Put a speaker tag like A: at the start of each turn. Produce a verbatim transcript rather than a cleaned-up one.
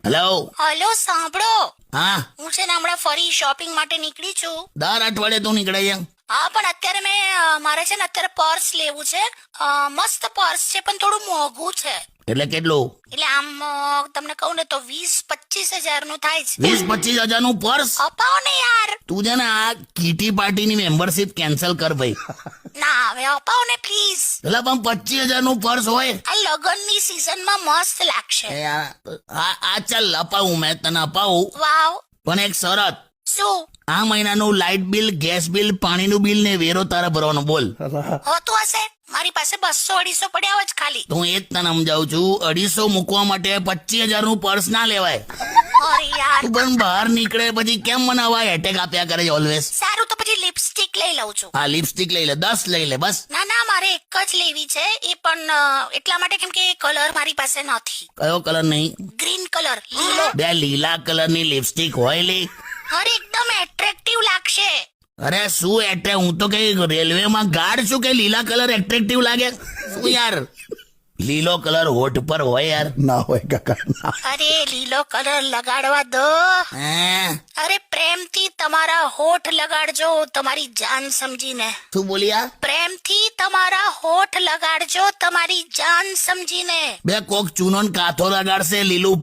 A: Hello.
B: Hello સાંભળો,
A: હા,
B: હું છે ને હમણાં ફરી શોપિંગ માટે નીકળી છું.
A: દર અઠવાડિયે તું નીકળે છે.
B: હા પણ અત્યારે મેં અ, મારે છે ને અત્યારે પર્સ લેવું છે. અ, મસ્ત પર્સ છે પણ થોડું મોંઘું છે.
A: એટલે કેટલું?
B: એટલે આમ અ, તમને કહું ને તો વીસ પચીસ હજાર નું થાય છે.
A: વીસ પચીસ હજાર નું પર્સ?
B: અપાવો ને યાર.
A: તું છે ને આ કીટી પાર્ટીની મેમ્બરશિપ કેન્સલ કર ભાઈ.
B: ના હવે અપાવો ને પ્લીઝ.
A: એટલે પણ પચીસ હજાર નું પર્સ હોય?
B: આ લગનની સીઝનમાં મસ્ત લાગશે.
A: એ આ આ- આ ચાલ અપાવું, મેં તને અપાવું,
B: વાવ.
A: પણ એક શરત.
B: શું
A: આ મહિનાનું લાઇટ બિલ, ગેસ બિલ, પાણીનું બિલ ને વેરો તારે ભરવાનો. બોલ.
B: હોતું હશે? મારી પાસે બસો અઢીસો પડ્યા હોય જ ખાલી.
A: તો હું એ જ તને સમજાવું છું, અઢીસો મૂકવા માટે પચીસ હજાર નું પર્સ ના લેવાય.
B: અરે યાર.
A: તું પણ બહાર નીકળે પછી કેમ મને આવા એટેક આપ્યા કરે છે ઓલવેઝ?
B: સારું તો પછી લિપસ્ટિક લઈ લઉં છું.
A: હા, લિપસ્ટિક લઈ લે, દસ લઈ લે બસ.
B: ના ના મારે એક જ લેવી છે, એ પણ અ, એટલા માટે કેમ કે કલર મારી પાસે નથી.
A: કયો કલર નહીં?
B: ગ્રીન કલર, લીલો.
A: બે લીલા કલરની લિપસ્ટિક હોય લી?
B: અરે એકદમ એટ્રેક્ટિવ લાગશે.
A: અરે શું એટલે, હું તો કઈ રેલવેમાં ગાર્ડ છું કે લીલા કલર એટ્રેક્ટિવ લાગે? શું યાર, લીલો કલર હોઠ પર હોય યાર.
C: ના હોય કાકા ના.
B: અરે લીલો કલર લગાડવા દો.
A: હે?
B: અરે પ્રેમથી તમારા હોઠ લગાડજો, તમારી જાન સમજીને.
A: શું બોલ્યા?
B: પ્રેમથી તમારા હોઠ લગાડજો, તમારી જાન સમજીને.
A: બે કોક ચૂનો ને કાથો લગાડશે લીલું